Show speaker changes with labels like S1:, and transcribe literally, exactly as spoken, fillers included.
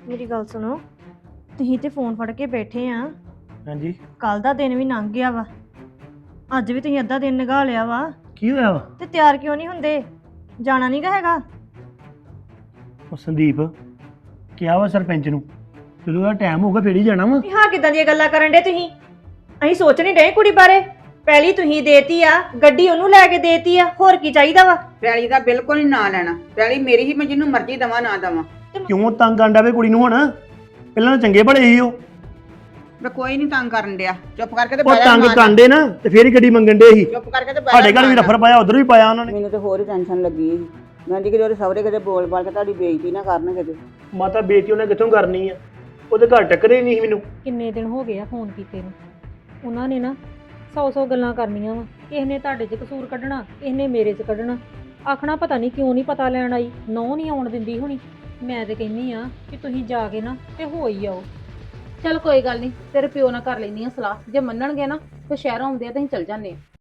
S1: ਮੇਰੀ ਗੱਲ ਸੁਣੋ, ਤੁਸੀਂ ਤੇ ਫੋਨ ਫੜ ਕੇ ਬੈਠੇ ਆ।
S2: ਹਾਂਜੀ
S1: ਕੱਲ ਦਾ ਦਿਨ ਵੀ ਲੰਘ ਗਿਆ ਵਾ, ਅੱਜ ਵੀ ਤੁਸੀਂ ਅੱਧਾ ਦਿਨ ਨਿਗਾਹ ਲਿਆ ਵਾ
S2: ਕੀ ਹੋਇਆ ਵਾ?
S1: ਤੇ ਤਿਆਰ ਕਿਉਂ ਨਹੀਂ ਹੁੰਦੇ? ਜਾਣਾ ਨਹੀਂ ਗਾ ਹੈਗਾ?
S2: ਉਹ ਸੰਦੀਪ ਕਿਹਾ ਵਾ ਸਰਪੰਚ ਨੂੰ, ਜਦੋਂ ਦਾ ਟਾਈਮ ਹੋਊਗਾ ਫੇਰ ਹੀ ਜਾਣਾ ਵਾ।
S1: ਹਾਂ, ਕਿਦਾਂ ਦੀਆਂ ਗੱਲਾਂ ਕਰਨ ਡੇ ਤੁਸੀਂ? ਅਸੀਂ ਸੋਚ ਨਹੀਂ ਰਹੇ ਕੁੜੀ ਬਾਰੇ। ਪਹਿਲੀ ਤੁਸੀਂ ਦੇਤੀ ਆ, ਗੱਡੀ ਉਹਨੂੰ ਲੈ ਕੇ ਦੇਤੀ ਆ, ਹੋਰ ਕੀ ਚਾਹੀਦਾ ਵਾ?
S3: ਪੈਲੀ ਦਾ ਬਿਲਕੁਲ ਹੀ ਨਾ ਲੈਣਾ। ਪੈਲੀ ਮੇਰੀ ਹੀ, ਮੈਂ ਜਿਹਨੂੰ ਮਰਜ਼ੀ ਦਵਾਂ ਨਾ ਦਵਾਂ।
S2: ਕਿਉਂ ਤੰਗ ਆਂਡਾ ਵੇ ਕੁੜੀ ਨੂੰ ਹੁਣ? ਪਹਿਲਾਂ ਤਾਂ ਚੰਗੇ ਭਲੇ ਸੀ ਉਹ।
S3: ਮੈਂ ਕੋਈ ਨਹੀਂ ਤੰਗ ਕਰਨ ਡਿਆ, ਚੁੱਪ ਕਰਕੇ ਤੇ
S2: ਉਹ
S3: ਬਹਿ ਜਾ
S2: ਤੰਗ
S3: ਮਾਰ।
S2: ਕਾਂਡੇ ਨਾ ਤੇ ਫੇਰ ਹੀ ਗੱਡੀ ਮੰਗਣ ਡੇ ਸੀ।
S3: ਚੁੱਪ ਕਰਕੇ ਤੇ ਬਹਿ
S2: ਸਾਡੇ
S3: ਜਾ
S2: ਘਰ ਵੀ
S3: ਮਾਰ।
S2: ਰਫਰ ਪਾਇਆ, ਉਧਰ ਵੀ ਪਾਇਆ ਉਹਨਾਂ ਨੇ।
S4: ਮੈਨੂੰ ਤੇ ਹੋਰ ਹੀ ਟੈਨਸ਼ਨ ਲੱਗੀ ਸੀ। ਮੈਂ ਜੀ ਕਿ ਉਹਦੇ ਸਹੁਰੇ ਕਿਤੇ ਬੋਲ ਬਾਲ ਕੇ ਤੁਹਾਡੀ ਬੇਇੱਜ਼ਤੀ ਨਾ ਕਰਨ ਕਿਤੇ।
S2: ਮਾਤਾ ਬੇਟੀ ਉਹਨੇ ਕਿੱਥੋਂ ਕਰਨੀ ਆ? ਉਹਦੇ ਘਰ ਟੱਕਰੇ ਨਹੀਂ ਸੀ ਮੈਨੂੰ।
S5: ਕਿੰਨੇ ਦਿਨ ਹੋ ਗਏ ਆ ਫੋਨ ਕੀਤੇ ਨੂੰ। ਉਹਨਾਂ ਨੇ ਨਾ ਸੌ ਸੌ ਗੱਲਾਂ ਕਰਨੀਆਂ ਵਾ। ਕਿਸੇ ਨੇ ਤੁਹਾਡੇ 'ਚ ਕਸੂਰ ਕੱਢਣਾ, ਕਿਸੇ ਨੇ ਮੇਰੇ 'ਚ ਕੱਢਣਾ। ਆਖਣਾ ਪਤਾ ਨਹੀਂ ਕਿਉਂ ਨਹੀਂ ਪਤਾ ਲੈਣ ਆਈ, ਨਹੁੰ ਨਹੀਂ ਆਉਣ ਦਿੰਦੀ ਹੋਣੀ। ਮੈਂ ਤੇ ਕਹਿੰਦੀ ਆ ਕਿ ਤੁਸੀਂ ਜਾ ਕੇ ਨਾ ਤੇ ਹੋ ਹੀ ਆਓ।
S6: ਚੱਲ ਕੋਈ ਗੱਲ ਨਹੀਂ, ਤੇਰੇ ਪਿਓ ਨਾਲ ਕਰ ਲੈਂਦੀ ਆ ਸਲਾਹ। ਜੇ ਮੰਨਣਗੇ ਨਾ ਫਿਰ ਸ਼ਹਿਰੋਂ ਆਉਂਦੇ ਆ ਤਾਂ ਅਸੀਂ ਚੱਲ ਜਾਂਦੇ ਆ।